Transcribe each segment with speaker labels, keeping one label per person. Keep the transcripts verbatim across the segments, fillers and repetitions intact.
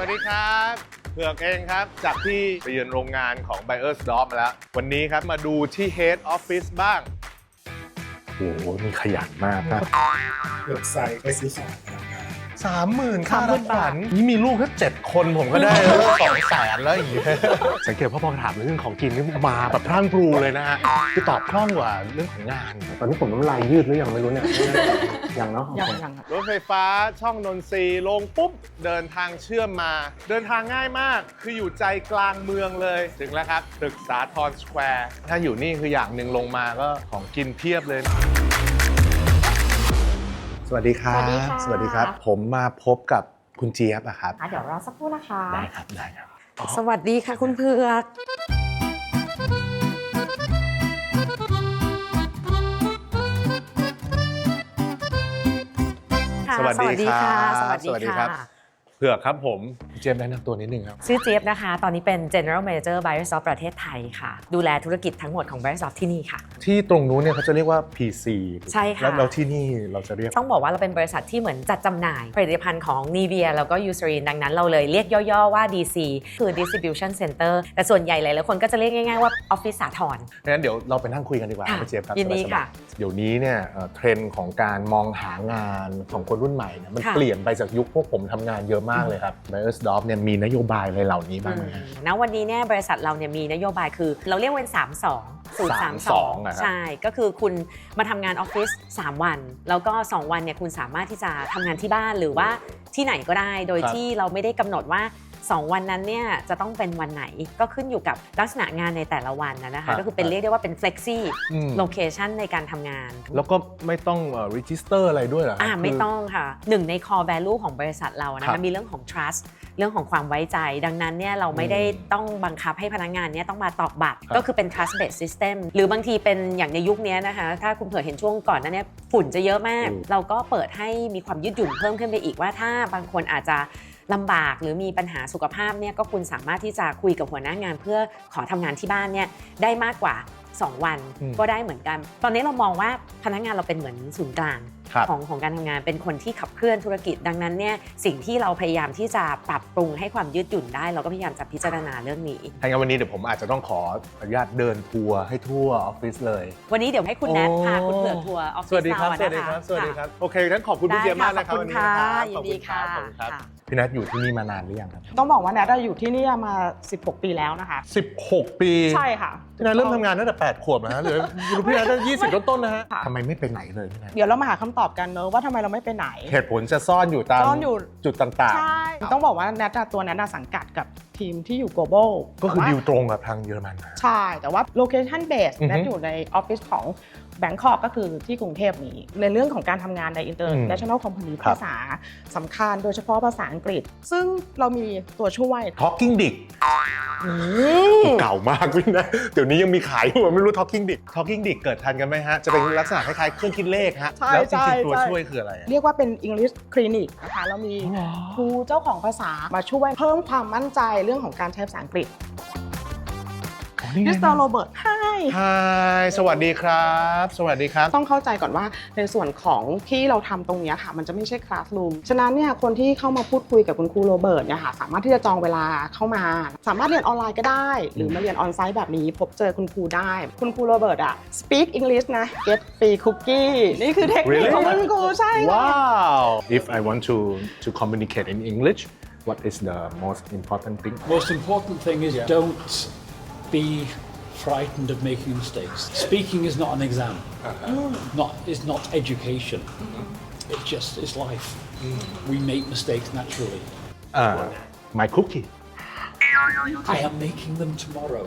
Speaker 1: วัสดีครับเผือกเองครับจากที่ไปเยือนโรงงานของ Beiersdorf มาแล้ววันนี้ครับมาดูที่ Head Office บ้างโอ้โหมีขยันมากนะ
Speaker 2: เกือบใส่ไปซื้อของพนักงาน
Speaker 1: สามหมื่นค่ารับขวัญนี่มีลูกแค่เจ็ดคนผมก็ได้แล้วสองแสนแล้วอย่างเงี้ยสังเกตว่าพอถามเรื่องของกินนี่มาแบบพรั่งพรูเลยนะฮะคือตอบคล่องกว่าเรื่องของงาน
Speaker 3: ตอนนี้ผมน้ำลายยืดหรือยังไม่รู้เนี่ยยังเนาะ
Speaker 2: ยังยังครับ
Speaker 1: รถไฟฟ้าช่องนนทรีลงปุ๊บเดินทางเชื่อมมาเดินทางง่ายมากคืออยู่ใจกลางเมืองเลยถึงแล้วครับตึกสาทรสแควร์ถ้าอยู่นี่คืออย่างหนึ่งลงมาก็ของกินเพียบเลยสวัสดีครับสวัสดีครับผมมาพบกับคุณเจี๊ยบอะครับ
Speaker 4: เดี๋ยวรอสักครู่นะคะ
Speaker 1: ได้ครับได้ครับ
Speaker 4: สวัสดีค่ะคุณเผือก
Speaker 1: สวัสดีครับ
Speaker 4: สวัสดีค่ะ
Speaker 1: เผือกครับผมเจี๊ยบแนะนำตัวนิดนึงครับ
Speaker 4: ชื่อเจี๊ยบนะคะตอนนี้เป็น General Manager Beiersdorf ประเทศไทยค่ะดูแลธุรกิจทั้งหมดของ Beiersdorf ที่นี่ค่ะ
Speaker 1: ที่ตรงนู้นเนี่ยเขาจะเรียกว่า พี ซี
Speaker 4: ใช่ค่ะ
Speaker 1: แล้วที่นี่เราจะเรียก
Speaker 4: ต้องบอกว่าเราเป็นบริษัทที่เหมือนจัดจำหน่ายผลิตภัณฑ์ของ Nivea แล้วก็ Eucerin ดังนั้นเราเลยเรียกย่อๆว่า ดี ซี คือ Distribution Center แต่ส่วนใหญ่หลายๆคนก็จะเรียกง่ายๆว่า Office สาทร
Speaker 1: งั้นเดี๋ยวเราไปนั่งคุยกันดีกว่าพี่เจี๊ยบครับ
Speaker 4: ยินดีค่ะ
Speaker 1: เดี๋ยวนี้เนี่ยเทรนด์ของการมองหางานของคนรุ่นใหม่เนี่ยมันเปลี่ยนไปจากยุคพวกผมทำงานเยอะมากเลยครับ Beiersdorf เนี่ยมีนโยบายอะไรเหล่านี้บ้างไหม
Speaker 4: ณวันนี้เนี่ยบริษัทเราเนี่ยมีนโยบายคือเราเรียกเป็นสาม สอง สูตรสามสองใช่ก็คือคุณมาทำงานออฟฟิศสามวันแล้วก็สองวันเนี่ยคุณสามารถที่จะทำงานที่บ้านหรือว่าที่ไหนก็ได้โดยที่เราไม่ได้กำหนดว่าสองวันนั้นเนี่ยจะต้องเป็นวันไหนก็ขึ้นอยู่กับลักษณะงานในแต่ละวันนะคะก็คือเป็นเรียกได้ว่าเป็น flexi location ในการทำงาน
Speaker 1: แล้วก็ไม่ต้อง register อะไรด้วยเหรอ
Speaker 4: อ่าไม่ต้องค่ะหนึ่งใน core value ของบริษัทเรานะคะมีเรื่องของ trust เรื่องของความไว้ใจดังนั้นเนี่ยเราไม่ได้ต้องบังคับให้พนักงานเนี่ยต้องมาตอกบัตรก็คือเป็น trust based system หรือบางทีเป็นอย่างในยุคนี้นะคะถ้าคุณเผื่อเห็นช่วงก่อนนั้นเนี่ยฝุ่นจะเยอะมากเราก็เปิดให้มีความยืดหยุ่นเพิ่มขึ้นไปอีกว่าถ้าบางคนอาจจะลำบากหรือมีปัญหาสุขภาพเนี่ยก็คุณสามารถที่จะคุยกับหัวหน้างานเพื่อขอทำงานที่บ้านเนี่ยได้มากกว่าสองวันก็ได้เหมือนกันตอนนี้เรามองว่าพนักงานเราเป็นเหมือนศูนย์กลางของของการทำงานเป็นคนที่ขับเคลื่อนธุรกิจดังนั้นเนี่ยสิ่งที่เราพยายามที่จะปรับปรุงให้ความยืดหยุ่นได้เราก็พยายามจะพิจารณาเรื่องนี้
Speaker 1: ถ้างั้นวันนี้เดี๋ยวผมอาจจะต้องขออนุญาตเดินทัวร์ให้ทั่วออฟฟิศเลย
Speaker 4: วันนี้เดี๋ยวให้คุณแนทพาคุณเผือกทัวร์ออฟฟิศ
Speaker 1: สวัสดีครับสวัสดีครับสวัสดีครับโอเคงั้นขอบคุณพี่เจี๊ยบมากนะครับวันนี้
Speaker 4: นะครับยินดีค่ะ
Speaker 1: พี่แนทอยู่ที่นี่มานานหรือยังครับ
Speaker 2: ต้องบอกว่าแนทอยู่ที่นี่มาสิบหกปีแล้วนะคะ
Speaker 1: สิบหกปี
Speaker 2: ใช่ค่ะ
Speaker 1: พี่แนทเริ่มทำงานตั้งแต่แปดขวบนะฮะหรือพี่แนทได้ยี่สิบต้นๆนะฮะทำไมไม่ไปไหนเลยพี่แนท
Speaker 2: เดี๋ยวเรามาหาคำตอบกันเนอะว่าทำไมเราไม่ไปไหน
Speaker 1: เหตุผลจะซ่อนอยู่ตามจุดต่าง
Speaker 2: ๆใช่ต้องบอกว่าแนทตัวแนทสังกัดกับทีมที่อยู่ global
Speaker 1: ก็คือดิวตรงกับทางเยอรมัน
Speaker 2: ใช่แต่ว่า location base แนทอยู่ในออฟฟิศของแบงคอกก็คือที่กรุงเทพนี้ในเรื่องของการทำงานใน international company ภาษาสำคัญโดยเฉพาะภาษาอังกฤษซึ่งเรามีตัวช่วย
Speaker 1: Talking Dick เก่ามากพี่นะเดี๋ยวนี้ยังมีขายอยู่ไม่รู้ Talking Dick Talking Dick เกิดทันกันไหมฮะจะเป็นลักษณะคล้ายๆเครื่องคิดเลขฮะแล้วจริงๆตัวช่วยคืออะไร
Speaker 2: เรียกว่าเป็น English Clinic นะคะเรามีครูเจ้าของภาษามาช่วยเพิ่มความมั่นใจเรื่องของการใช้ภาษาอังกฤษมิสเตอร์โรเบิร์ตไฮ
Speaker 1: ไฮสวัสดีครับสวัสดีครับ
Speaker 2: ต้องเข้าใจก่อนว่าในส่วนของที่เราทำตรงนี้ค่ะมันจะไม่ใช่คลาสรูมฉะนั้นเนี่ยคนที่เข้ามาพูดคุยกับคุณครูโรเบิร์ตเนี่ยค่ะสามารถที่จะจองเวลาเข้ามาสามารถเรียนออนไลน์ก็ได้หรือมาเรียนออนไซต์แบบนี้พบเจอคุณครูได้คุณครูโรเบิร์ตอะ speak English นะ get free cookie นี่คือเทคนิคของคุณครูใช่
Speaker 1: ว้าว if I want to to communicate in English what is the most important thing
Speaker 5: most important thing is don't be frightened of making mistakes. Speaking is not an exam. Not is not education. It just is life. We make mistakes naturally.
Speaker 1: Uh, my cookie.
Speaker 5: I am making them tomorrow.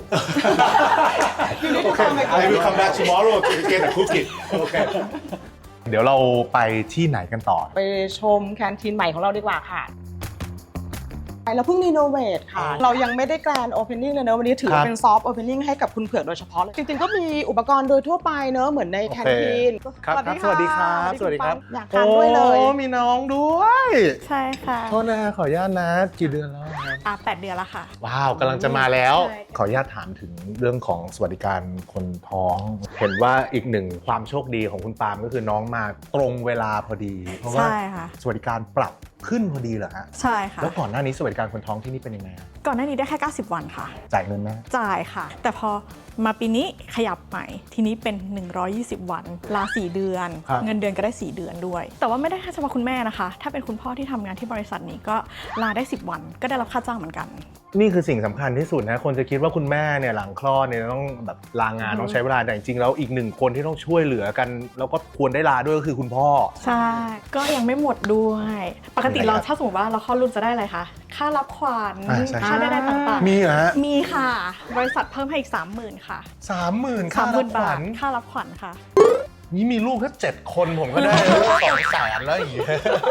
Speaker 1: Okay, I will come back tomorrow to get a cookie. Okay. เดี๋ยวเราไปที่ไหนกันต่อ
Speaker 2: ไปชมแคนทีนใหม่ของเราดีกว่าค่ะเราเพิ่งรีโนเวทค่ะเรายังไม่ได้แกรนด์โอเพนนิ่งเลยเนอะวันนี้ถือเป็นซอฟต์โอเพนนิ่งให้กับคุณเผือกโดยเฉพาะเลยจริงๆก็มีอุปกรณ์โดยทั่วไปเนอะเหมือนในแคนทีน
Speaker 1: ครับสวัสดีครับสวัสดีครับ
Speaker 2: อยากทานด้วยเลย
Speaker 1: โอ้มีน้องด้วย
Speaker 6: ใช่ค่ะ
Speaker 1: โทษนะขออนุญาตนะกี่เดือนแล้วครับ
Speaker 6: อ่าแปดเดือนแล้วค่ะ
Speaker 1: ว้าวกำลังจะมาแล้วขออนุญาตถามถึงเรื่องของสวัสดิการคนท้องเห็นว่าอีกหนึ่งความโชคดีของคุณปาล์มก็คือน้องมาตรงเวลาพอดีเพราะว่าสวัสดิการปรับขึ้นพอดีเหรอฮะ
Speaker 6: ใช่ค่ะ
Speaker 1: แล้วก่อนหน้านี้สวัสดิการคนท้องที่นี่เป็นยังไงฮะ
Speaker 6: ก่อนหน้านี้ได้แค่เก้าสิบวันค่ะ
Speaker 1: จ่ายเงินไหม
Speaker 6: จ่ายค่ะ แต่พอมาปีนี้ขยับใหม่ทีนี้เป็นหนึ่งร้อยยี่สิบวันลาสี่เดือน เงินเดือนก็ได้สี่เดือนด้วย แต่ว่าไม่ได้แค่เฉพาะคุณแม่นะคะ ถ้าเป็นคุณพ่อที่ทำงานที่บริษัทนี้ก็ลาได้สิบวันก็ได้รับค่าจ้างเหมือนกัน
Speaker 1: นี่คือสิ่งสำคัญที่สุดนะคนจะคิดว่าคุณแม่เนี่ยหลังคลอดเนี่ยต้องแบบลางานต้องใช้เวลาแต่จริงๆแล้วอีกหนึ่งคนที่ต้องช่วยเหลือกันแล้วก็ควรได้ลาด้วยก็คือคุณพ่อ
Speaker 6: ใช่ ก็ยังไม่หมดด้วย ปกติเราถ้าสมมติว่าเราคลอดลูกจะได้อะไรคะ ค่ารับขวัญ
Speaker 1: อ่าใช่
Speaker 6: ค่าได้ๆต่างๆ
Speaker 1: มีเหรอฮะ
Speaker 6: มีค่ะ บริษัทเพิ่มให้อีก สามหมื่น ค่ะ
Speaker 1: สามหมื่น
Speaker 6: สา
Speaker 1: ค่าม
Speaker 6: ห
Speaker 1: รั
Speaker 6: มื่
Speaker 1: บ
Speaker 6: น
Speaker 1: ข
Speaker 6: บา
Speaker 1: วั
Speaker 6: ท
Speaker 1: ญ
Speaker 6: ค่ารับขวัญค่ะ
Speaker 1: นี่มีลูกแค่เจ็ดคนผมก็ได้ สองแสนแล้วอย่างเงี้ย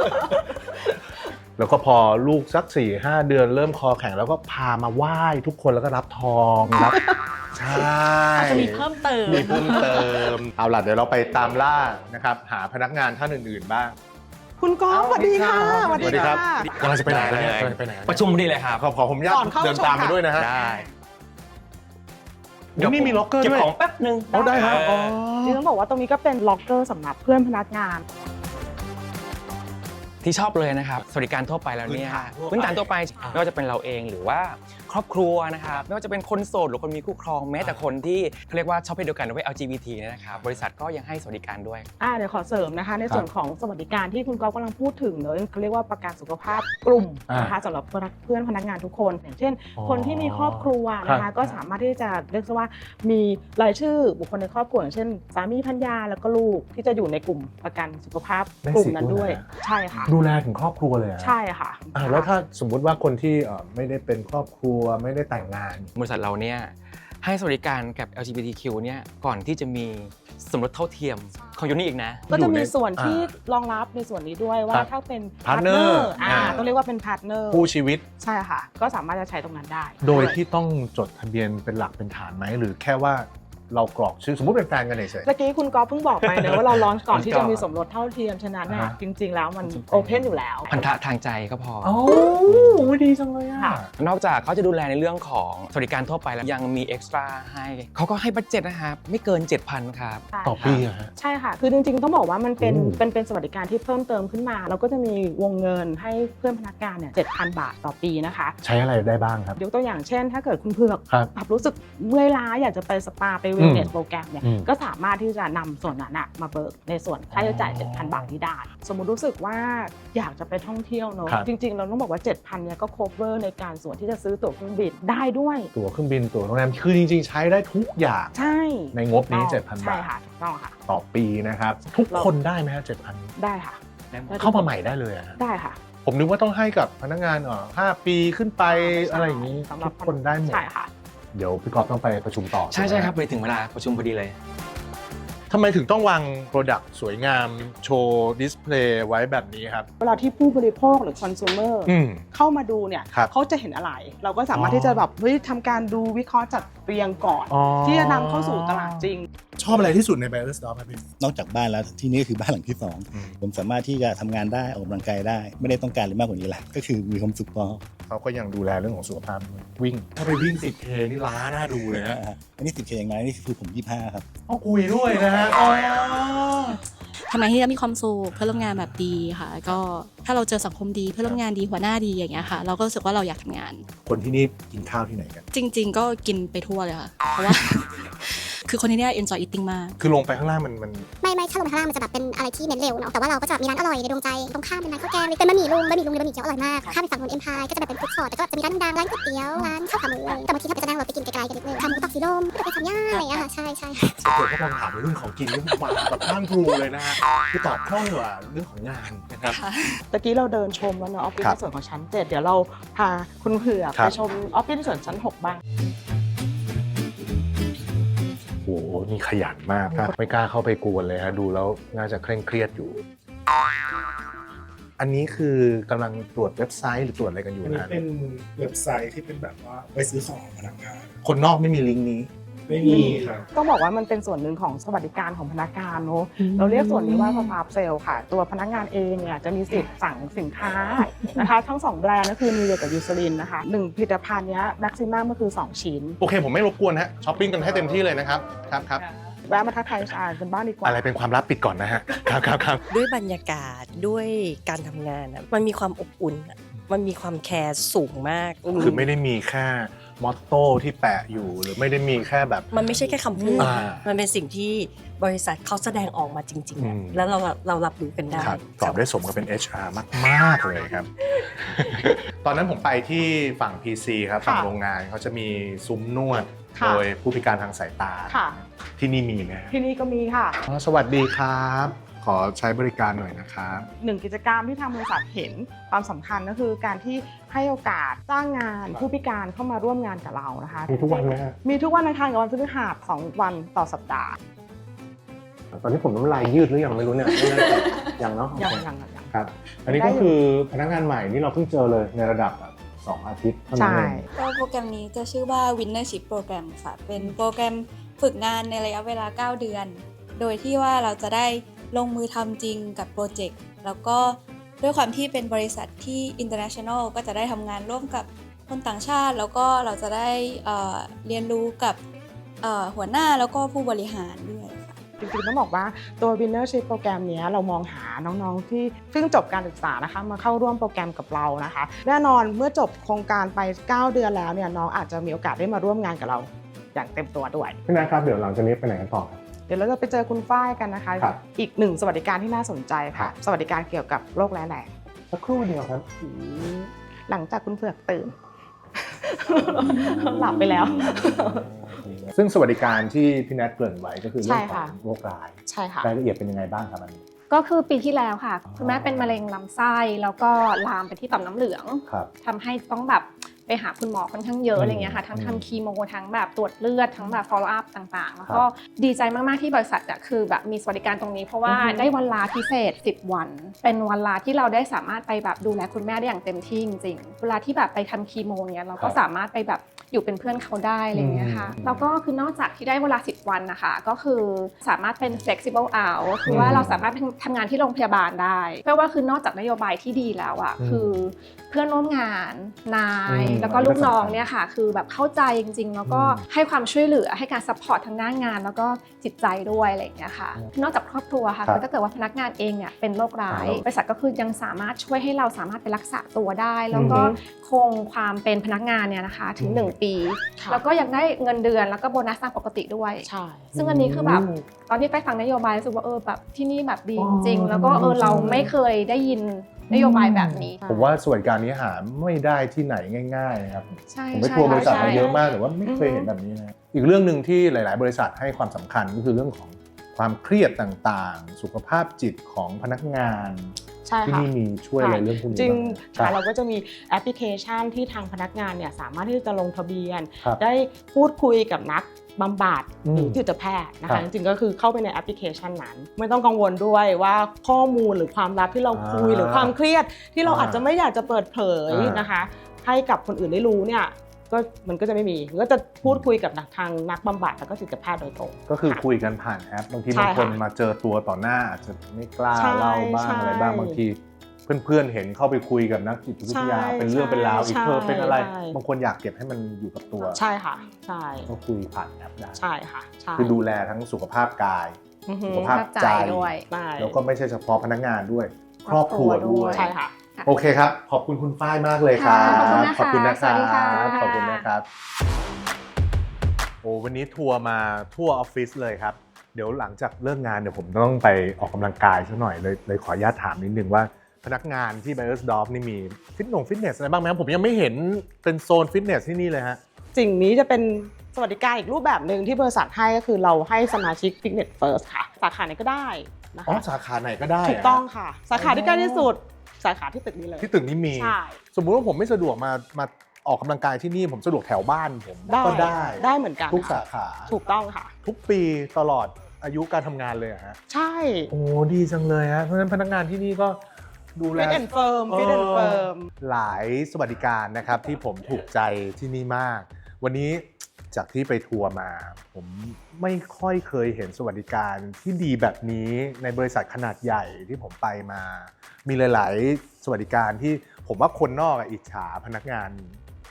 Speaker 1: แล้วก็พอลูกสักสี่ห้าเดือนเริ่มคอแข็งแล้วก็พามาไหว้ทุกคนแล้วก็รับทองรับใช่
Speaker 6: อาจจะมีเพิ่มเติม
Speaker 1: มีเพิ่มเติมเอาล่ะเดี๋ยวเราไปตามล่านะครับหาพนักงานท่านอื่นๆบ้าง
Speaker 2: คุณก๊อฟสวัสดีค่ะ
Speaker 1: สวัสดีครับกำลังจะไปไหนกันเนี่ย
Speaker 7: ได้
Speaker 1: กำลังจะไปไหน
Speaker 7: ประชุมนี่เลยครับ
Speaker 1: ขอขอผมญาต
Speaker 2: ก่อนเข้า
Speaker 1: เดินตามไปด้วยนะฮะ
Speaker 7: ได้
Speaker 1: เดี๋ยวนี่มีล็อกเกอร์
Speaker 7: เก็บ
Speaker 1: ด้วย
Speaker 7: ของแป๊บนึง
Speaker 1: เอาได้ครับอ๋อ
Speaker 2: นี่ต้องบอกว่าตรงนี้ก็เป็นล็อกเกอร์สำหรับเพื่อนพนักงาน
Speaker 7: ที่ชอบเลยนะครับสวัสดิการทั่วไปแล้วเนี่ย
Speaker 1: พื้
Speaker 7: พื้
Speaker 1: น
Speaker 7: น
Speaker 1: ฐา
Speaker 7: ฐาน น
Speaker 1: ทั่
Speaker 7: ทั่
Speaker 1: ว
Speaker 7: ว
Speaker 1: ไป
Speaker 7: ไปไม่ว่าจะเป็นเราเองหรือว่าครอบครัวนะครับไม่ว่าจะเป็นคนโสดหรือคนมีคู่ครองแม้แต่คนที่เขาเรียกว่าชอบเพศเดียวกันหรือว่า แอล จี บี ที เนี่ยนะครับบริษัทก็ยังให้สวัสดิการด้วย
Speaker 2: อ่าเดี๋ยวขอเสริมนะคะในส่วนของสวัสดิการที่คุณก๊อฟกำลังพูดถึงเนอะเขาเรียกว่าประกันสุขภาพกลุ่มนะคะสำหรับเพื่อนพนักงานทุกคนอย่างเช่น คนที่มีครอบครัวนะคะก็สามารถที่จะเรียกว่ามีรายชื่อบุคคลในครอบครัวอย่างเช่นสามีภรรยาแล้วก็ลูกที่จะอยู่ในกลุ่มประกันสุขภาพกลุ่มนั้นด้วยใช่ค่ะ
Speaker 1: ดูแลถึงครอบครัวเลยอะ
Speaker 2: ใช่ค่ะ
Speaker 1: อ่าแล้วถ้าสมมุติว่าคนที่เอ่อไม่ได้เป็นครอบครัวไม่ได้แต่งงาน
Speaker 7: บริษัทเราเนี่ยให้สวัสดิการกับ แอล จี บี ที คิว เนี่ยก่อนที่จะมีสมรสเท่าเทียมของยูนี่อีกนะ
Speaker 2: ก็จะมีส่วน
Speaker 1: อ่า
Speaker 2: ที่รองรับในส่วนนี้ด้วย
Speaker 1: ค
Speaker 2: ว่า
Speaker 1: รับ
Speaker 2: ถ้าเป็น
Speaker 1: partner
Speaker 2: อ่า
Speaker 1: อ่า
Speaker 2: ต้องเรียกว่าเป็นพาร์ทเนอร์
Speaker 1: คู่ชีวิต
Speaker 2: ใช่ค่ะ ก็สามารถจะใช้ตรงนั้นได้
Speaker 1: โดยที่ต้องจดทะเบียนเป็นหลักเป็นฐานไหมหรือแค่ว่าเรากรอกชื่อสมมุติเป็นแฟนกันเฉย
Speaker 2: เมื่อกี้คุณก๊อฟเพิ่งบอกไปเนอะว่าเราลอนช์ก่อนที่
Speaker 7: ก่
Speaker 2: จะ
Speaker 7: อน
Speaker 2: มีสมรสเท่าเทียมฉะนั้นน่ะ
Speaker 1: อ่า
Speaker 2: จริง ๆ แล้วมันโอเพนอยู่แล้ว
Speaker 7: พันธะทางใจก็พอ
Speaker 1: โอ้ดีจังเลยอ่ะ
Speaker 2: ค่ะ
Speaker 7: นอกจากเขาจะดูแลในเรื่องของสวัสดิการทั่วไปแล้วยังมีเอ็กซ์ตร้าให้เขาก็ให้บัดเจ็ตนะครับไม่เกิน เจ็ดพัน ครับ
Speaker 1: ต่อปีอะฮะ
Speaker 2: ใช่ค่ะ คือจริงๆ ต้องบอกว่ามันเป็น
Speaker 1: โอ้
Speaker 2: เป็นเป็นสวัสดิการที่เพิ่มเติมขึ้นมา เราก็จะมีวงเงินให้เพื่อนพนักงานเนี่ยเจ็ดพัน บาทต่อปีนะคะ
Speaker 1: ใช้อะไรได้บ้างครับ
Speaker 2: ยกตัวอย่างเช่น ถ้าเกิดคุณเผือก
Speaker 1: ครับ
Speaker 2: แบบรู้สึกเมื่อยล้าอยากจะไปสปาไปเวลเนสโปรแกรมเนี่ย
Speaker 1: อืม
Speaker 2: ก็สามารถที่จะนำส่วนนั้นอะมาเบิกในส่วนค่าใช้จ่าย เจ็ดพัน บาทที่ได้ สมมุติรู้สึกว่าอยากจะไปท่องเที่ยวเนอะ
Speaker 1: ครับ
Speaker 2: จริงๆ เราต้องบอกว่า เจ็ดพัน เนี่ยก็ cover ในการส่วนที่จะซื้อตั๋วเครื่องบินได้ด้วย
Speaker 1: ตั๋วเครื่องบินตั๋วโรงแรมคือจริงๆ ใช้ได้ทุกอย่าง
Speaker 2: ใช่
Speaker 1: ในงบนี้ เจ็ดพัน
Speaker 2: ใช่
Speaker 1: บาท
Speaker 2: ค่ะถูกต้องค่ะ
Speaker 1: ต่อปีนะครับ ทุกคนได้ไหมฮะเจ็ดพัน
Speaker 2: ได้ค่ะ
Speaker 1: เข้ามาใหม่ได้เลยอะฮะ
Speaker 2: ได้ค่ะ
Speaker 1: ผมนึกว่าต้องให้กับพนักงานเอ่อห้าปีขึ้นไปอะไรอย่างนี้
Speaker 2: สำหรับ
Speaker 1: ทุกคนได้หมด
Speaker 2: ใช่ค่ะ
Speaker 1: เดี๋ยวพี่กอฟต้องไปประชุมต่อ
Speaker 7: ใช่ใช่ครับไปถึงเวลาประชุมพอดีเลย
Speaker 1: ทำไมถึงต้องวางโปรดักต์สวยงามโชว์ดิสเพลย์ไว้แบบนี้ครับ
Speaker 2: เวลาที่ผู้บริโภคหรือ consumer
Speaker 1: อืม
Speaker 2: เข้ามาดูเนี่ย
Speaker 1: ครับ
Speaker 2: เขาจะเห็นอะไร เราก็สามารถ
Speaker 1: อ๋อ
Speaker 2: ที่จะแบบเฮ้ยทำการดูวิเคราะห์จัดเรียงก่อน
Speaker 1: อ๋อ
Speaker 2: ที่จะนำเข้าสู่ตลาดจริง
Speaker 1: ชอบอะไรที่สุดใน Buyer's Stop ครับพี่
Speaker 8: นอกจากบ้านแล้วที่นี่ก็คือบ้านหลังที่สอง
Speaker 1: อืม
Speaker 8: ผมสามารถที่จะทำงานได้ออกกำลังกายได้ ไม่ได้ต้องการอะไรมากกว่านี้แหละก็คือมีความสุขพอ
Speaker 1: เขาก็ยังดูแลเรื่องของสุขภาพด้วยวิ่ง ถ้าไปวิ่ง สิบเค นี่ล้าหน้าดูเลยฮะ
Speaker 8: อ่าอันนี้สิบเคอย่างไรนี่คือผมยี่สิบห้าครับ
Speaker 1: ต้องคุยด้วยนะฮะอ๋อ
Speaker 9: ทำงานที่จะมีความสุขเพื่อนร่วมงานแบบดีค่ะ ก็ถ้าเราเจอสังคมดีเพื่อนร่วมงานดีหัวหน้าดีอย่างเงี้ยค่ะ เราก็รู้สึกว่าเราอยากทำงาน
Speaker 1: คนที่นี่กินข้าวที่ไหนกัน
Speaker 9: จริง ๆ ก็กินไปทั่วเลยค่ะ เพราะว่า คือคนที่เนี่ย enjoy eating มาก
Speaker 1: คือลงไปข้างล่างมันมัน
Speaker 10: ไม่ไม่ถ้าลงไปข้างล่างมันจะแบบเป็นอะไรที่เน้นเร็วเนาะแต่ว่าเราก็จะมีร้านอร่อยในดวงใจตรงข้ามเป็นร้านข้าวแกงเป็นบะหมี่ลุงบะหมี่ลุงหรือบะหมี่เกี๊ยวอร่อยมากข้ามไปฝั่งบนเอ็มพายก็จะแบบเป็นฟู้ดคอร์ทแต่ก็จะมีร้านดังๆร้านก๋วยเตี๋ยวร้านข้าวขาหมูอะไรแต่บางทีถ้าไปจะนั่งรถไปกินไกลๆกันนิดนึงทำหมูตอกสีลมก็จะไปทำย่างอะไรอย่างเงี้ยค่ะใช่ใช่
Speaker 1: เดี๋ยวก็ลองถามเรื่องของกินเรื่องมาแบบข้างครูเลยนะฮะคือตอบคล่องกว่าเรื่องของงานนะครับ
Speaker 2: ตะกี้เราเดินชมแล้วเนอะออฟฟิศ
Speaker 1: ครับ
Speaker 2: ในส่วนของชั้นเจ็ดเดี๋ยวเราพาคุณเผือก
Speaker 1: ครับ
Speaker 2: ไปชมออฟฟิศในส่วนชั้นหกบ้าง
Speaker 1: โอ้โหนี่ขยันมากครับไม่กล้าเข้าไปกวนเลยฮะดูแล้วน่าจะเคร่งเครียดอยู่ อันนี้คือกำลังตรวจเว็บไซต์หรือตรวจอะไรกันอยู่
Speaker 11: อันนี้
Speaker 1: นะ
Speaker 11: เป็นเว็บไซต์ที่เป็นแบบว่าไปซื้อของพนักงาน
Speaker 1: คนนอกไม่มีลิงก์นี้
Speaker 11: ไม่มีครับ
Speaker 2: ต้องบอกว่ามันเป็นส่วนหนึ่งของสวัสดิการของพนักงานเนอะเราเรียกส่วนนี้ว่า pop-up sale ค่ะ ตัวพนักงานเองเนี่ยจะมีสิทธิ์สั่งสินค้านะคะทั้งสองแบรนด์ก็คือ Nivea กับ Eucerin นะคะหนึ่งผลิตภัณฑ์เนี้ย maximum ก็คือสองชิ้น
Speaker 1: โอเคผมไม่รบกวนฮะช้อปปิ้งกันให้เต็มที่เลยนะครับครับครับ
Speaker 2: แวะมาทักทายชากันบ้างดีกว่า
Speaker 1: อะไรเป็นความลับปิดก่อนนะฮะ ครับครับครับ
Speaker 12: ด้วยบรรยากาศด้วยการทำงานอะมันมีความอบอุ่นอะมันมีความแคร์สูงมาก
Speaker 1: คือไม่ได้มีแค่มอตโต้ที่แปะอยู่หรือไม่ได้มีแค่แบบ
Speaker 12: มันไม่ใช่แค่คำพูด
Speaker 1: อ่า
Speaker 12: มันเป็นสิ่งที่บริษัทเขาแสดงออกมาจริงๆอะ
Speaker 1: อืม
Speaker 12: แล้วเราเรารับรู้กันได้
Speaker 1: ครับตอบได้สมกับเป็น เอช อาร์ มาก ๆ เลยครับ ตอนนั้นผมไปที่ฝั่ง พี ซี ครับ
Speaker 2: ค่ะ
Speaker 1: ฝั่งโรงงานเขาจะมีซุ้มนวด
Speaker 2: ค่ะ
Speaker 1: โดยผู้พิการทางสายตา
Speaker 2: ค่ะ
Speaker 1: ที่นี่มีไหมครับ
Speaker 2: ที่นี่ก็มีค่ะ
Speaker 1: อ๋อสวัสดีครับ ขอใช้บริการหน่อยนะครับ
Speaker 2: หนึ่งกิจกรรมที่ทางบริษัทเห็นความสำคัญก็คือการที่ให้โอกาสจ้างงานผู้พิการเข้ามาร่วมงานกับเรานะคะ
Speaker 3: มีทุกวันไหมฮะ
Speaker 2: มีทุกวันอังคารกับวันพฤหัสสองวันต่อสัปดาห์
Speaker 3: ตอนนี้ผมน้ำลายยืดหรือยังไม่รู้เนี่ยไม่แน่ใจยังเนาะ
Speaker 2: ยัง
Speaker 3: โอเค
Speaker 2: ยังยัง
Speaker 3: ครับ อันนี้ก็คือพนักงานใหม่ที่เราเพิ่งเจอเลยในระดับแบบสองอาทิตย์เท่านั้น
Speaker 2: ใช่
Speaker 3: เอง
Speaker 13: ก็โปรแกรมนี้จะชื่อว่า Winnership Program ค่ะ เป็นโปรแกรมฝึกงานในระยะเวลา เก้า เดือน โดยที่ว่าเราจะได้ลงมือทำจริงกับโปรเจกต์ แล้วก็ด้วยความที่เป็นบริษัทที่ international ก็จะได้ทำงานร่วมกับคนต่างชาติ แล้วก็เราจะได้เอ่อเรียนรู้กับเอ่อหัวหน้าแล้วก็ผู้บริหารด้วยค่ะ
Speaker 2: จริงๆต้องบอกว่าตัว Winnership โปรแกรมนี้เรามองหาน้องๆที่เพิ่งจบการศึกษานะคะมาเข้าร่วมโปรแกรมกับเรานะคะ แน่นอนเมื่อจบโครงการไป เก้า เดือนแล้วเนี่ยน้องอาจจะมีโอกาสได้มาร่วมงานกับเราอย่างเต็มตัวด้วย
Speaker 3: พี่นัทครับเดี๋ยวหลังจากนี้ไปไหนกันต่อครับ
Speaker 2: เดี๋ยวเราจะไปเจอคุณฝ้ายกันนะคะ
Speaker 3: ครับ
Speaker 2: อีกหนึ่งสวัสดิการที่น่าสนใจ
Speaker 3: ครั
Speaker 2: ค่ะ
Speaker 3: บ
Speaker 2: สวัสดิการเกี่ยวกับโรคร้ายแรง
Speaker 3: สักครู่เดียวครับ
Speaker 2: หลังจากคุณเผือกตื่น หลับไปแล้ว
Speaker 1: ซึ่งสวัสดิการที่พี่แนทเกริ่นไว้ก็คือเรื่อง
Speaker 2: ใช่
Speaker 1: ขอ
Speaker 2: ค่ะ
Speaker 1: งโรคร้าย
Speaker 2: ใช่ค่ะ
Speaker 1: รายละเอียดเป็นยังไงบ้างครับอันนี้
Speaker 14: ก็คือปีที่แล้วค่ะคุณแม่เป็นมะเร็งลำไส้แล้วก็ลามไปที่ต่อมน้ำเหลือง
Speaker 1: ครับ
Speaker 14: ทำให้ต้องแบบไปหาคุณหมอค่อนข้างเยอะ
Speaker 1: อืม
Speaker 14: อะไรเงี้ยค่ะทั้ง
Speaker 1: อืม
Speaker 14: ทำคีโมทั้งแบบตรวจเลือดทั้งแบบ follow up ต่างๆ แล้ว
Speaker 1: ครั
Speaker 14: ก็
Speaker 1: บ
Speaker 14: ดีใจมากๆที่บริษัทอะคือแบบมีสวัสดิการตรงนี้ เพราะว่า
Speaker 2: อือฮึ
Speaker 14: ได้วันลาพิเศษสิบวัน เป็นวันลาที่เราได้สามารถไปแบบดูแลคุณแม่ได้อย่างเต็มที่จริงๆเวลาที่แบบไปทำคีโมเนี้ยเราก็สามารถไปแบบอยู่เป็นเพื่อนเขาได้อะไรเงี้ยค่ะ
Speaker 1: อืม
Speaker 14: แล้วก็คือนอกจากที่ได้เวลาสิบวันนะคะก็คือสามารถเป็น flexible hour คือว่าเราสามารถทำงานที่โรงพยาบาลได้เพราะว่าคือนอกจากนโยบายที่ดีแล้วอ่ะ
Speaker 1: อืม
Speaker 14: คือเพื่อนร่วมงานนาย
Speaker 1: อืม
Speaker 14: แล้วก็ลูกน้องเนี่ยค่ะคือแบบเข้าใจจริงๆ แล้วก็
Speaker 1: อืม
Speaker 14: ให้ความช่วยเหลือให้การซัพพอร์ตทางด้านงาน แล้วก็จิตใจด้วยอะไรอย่างเงี้ยค่ะนอกจากครอบครัวค่ะ
Speaker 1: ครับ
Speaker 14: คือถ้าเกิดว่าพนักงานเองเนี่ยเป็นโรคร้าย
Speaker 1: ครับ
Speaker 14: บริษัทก็คือยังสามารถช่วยให้เราสามารถไปรักษาตัวได้ แล้วก็
Speaker 2: อือฮึ
Speaker 14: คงความเป็นพนักงานเนี่ยนะคะถึง
Speaker 1: อืม
Speaker 14: หนึ่งปี
Speaker 2: ค่ะ
Speaker 14: แล้วก็ยังได้เงินเดือนแล้วก็โบนัสตามปกติด้วย
Speaker 2: ใช่
Speaker 14: ซึ่งอันนี้คือแบบตอนที่ไปฟังนโยบายรู้สึกว่าเออแบบที่นี่แบบดีจริงๆแล้วก็เออเราไม่เคยได้ยินนโยบายแบบนี้
Speaker 1: ผมว่าสวัสดิการนี้หาไม่ได้ที่ไหนง่ายๆนะครับ
Speaker 14: ใช่
Speaker 1: ผมไป
Speaker 14: ใช่
Speaker 1: ทัวร์บริษัท
Speaker 14: ใช่
Speaker 1: มาเยอะมากแต่ว่าไม่เคยเห็นแบบนี้นะอีกเรื่องหนึ่งที่หลาย ๆ บริษัทให้ความสำคัญก็คือเรื่องของความเครียดต่างๆ สุขภาพจิตของพนักงาน
Speaker 2: ใช่
Speaker 1: ที่
Speaker 2: ค่ะ
Speaker 1: นี่มีช่วยอะไรเรื่องพวกนี้
Speaker 2: จริง
Speaker 1: บ้าง
Speaker 2: ค่ะ
Speaker 1: ค
Speaker 2: เรา
Speaker 1: บ
Speaker 2: ก็จะมีแอปพลิเคชันที่ทางพนักงานเนี่ยสามารถที่จะลงทะเบียน
Speaker 1: ครับ
Speaker 2: ได้พูดคุยกับนักบำบัด
Speaker 1: อืม
Speaker 2: หรือจิตแพทย์นะ
Speaker 1: ครั
Speaker 2: คะ
Speaker 1: บ
Speaker 2: จริงๆก็คือเข้าไปในแอปพลิเคชันนั้น ไม่ต้องกังวลด้วยว่าข้อมูลหรือความลับที่เราคุย
Speaker 1: อ่า
Speaker 2: หรือความเครียดที่เรา
Speaker 1: อ่า
Speaker 2: อาจจะไม่อยากจะเปิดเผย
Speaker 1: อ่าน
Speaker 2: นะคะ ให้กับคนอื่นได้รู้เนี่ยก็มันก็จะไม่มีก็จะพูดคุยกับนักทางนักบำบัดแล้วก็จิตแพทย์โดยตรง
Speaker 1: ก็คือคุยกันผ่านแอปบางที
Speaker 2: ใช่
Speaker 1: บางคน
Speaker 2: ค่ะ
Speaker 1: มาเจอตัวต่อหน้าอาจจะไม่กล้า
Speaker 2: ใช่
Speaker 1: เล่าบ้าง
Speaker 2: ใช่
Speaker 1: อะไรบ้างบางทีเพื่อนๆเห็นเข้าไปคุยกับนักจิตวิทยา
Speaker 2: ใช่
Speaker 1: เป็นเรื่องเป็นราวอีก
Speaker 2: ใช่
Speaker 1: เธอเป็นอะไร
Speaker 2: ใช่
Speaker 1: บางคนอยากเก็บให้มันอยู่กับตัว
Speaker 2: ใช่ค่ะใช่
Speaker 1: ก็คุยผ่านแอปได้
Speaker 2: ใช่ค่ะใช่
Speaker 1: คือดูแลทั้งสุขภาพกาย
Speaker 2: อือฮึ
Speaker 1: สุขภาพใจ
Speaker 14: ด้วย
Speaker 2: ใช่
Speaker 1: แล้วก็ไม่ใช่เฉพาะพนักงานด้วย ครอบครัวด้วย
Speaker 2: ใช่ค่ะ
Speaker 1: โอเคครับ ขอบคุณคุณฝ้ายมากเลยครับ
Speaker 14: ค่ะขอบคุณ
Speaker 1: นะ
Speaker 14: นะคะ
Speaker 1: ครั
Speaker 14: สวัสดีค่ะ
Speaker 1: บขอบคุณนะครับโอ้วันนี้ทัวร์มาทั่วออฟฟิศเลยครับ เดี๋ยวหลังจากเลิกงานเดี๋ยวผมต้องไปออกกำลังกายซะหน่อยเลยเลยขออนุญาตถามนิดนึงว่าพนักงานที่ Beiersdorf นี่มีฟิตนงฟิตเนสอะไรบ้างไหมครับผมยังไม่เห็นเป็นโซนฟิตเนสที่นี่เลยฮะ
Speaker 2: สิ่งนี้จะเป็นสวัสดิการอีกรูปแบบหนึ่งที่บริษัทให้ก็คือเราให้สมาชิก Fitness First ค่ะ สาขาไหนก็ได้นะ
Speaker 1: อ๋อ
Speaker 2: คะ
Speaker 1: สาขาไหนก็ได้
Speaker 2: ถูกต้องค่ะ สาขาที่ใกล้ที่สุด สาขาที่ตึกนี้เลย
Speaker 1: ที่ตึกนี้มี
Speaker 2: ใช่
Speaker 1: สมมุติว่าผมไม่สะดวกมามาออกกำลังกายที่นี่ผมสะดวกแถวบ้านผม
Speaker 2: ได้
Speaker 1: ก็ได้
Speaker 2: ได้เหมือนกัน
Speaker 1: ทุกสาขา
Speaker 2: ถูกต้องค่ะ
Speaker 1: ทุกปีตลอดอายุการทำงานเลยเหรอฮะ
Speaker 2: ใช่
Speaker 1: โอ้ดีจังเลยฮะเพราะฉะนั้นพนักงานที่นี่ก็ดูแล
Speaker 2: Fit and Firm Fit and Firm
Speaker 1: หลายสวัสดิการนะครับที่ผมถูกใจที่นี่มาก วันนี้จากที่ไปทัวร์มา ผมไม่ค่อยเคยเห็นสวัสดิการที่ดีแบบนี้ในบริษัทขนาดใหญ่ที่ผมไปมา มีหลาย ๆ สวัสดิการที่ผมว่าคนนอกอะอิจฉาพนักงาน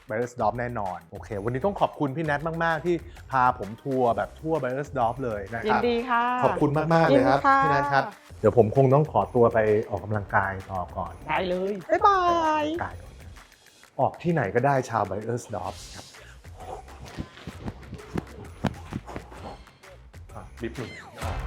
Speaker 1: ไบเออร์สดอฟแน่นอนโอเควันนี้ต้องขอบคุณพี่แนทมากๆที่พาผมทัวร์แบบทั่วไบเออร์สดอฟเลยนะค
Speaker 2: ยิ
Speaker 1: รั
Speaker 2: น
Speaker 1: บ
Speaker 2: ดีค่ะ
Speaker 1: ขอบคุณมากๆเลยครับ
Speaker 2: ยินดีค่ะ
Speaker 1: พี่แนทครับเดี๋ยวผมคงต้องขอตัวไปออกกำลังกายต่อก่อน
Speaker 2: ได้เลย บ๊ายบาย
Speaker 1: กายออกที่ไหนก็ได้ชาวไบเออร์สดอฟครับอ่ะลิฟต์หนึ่ง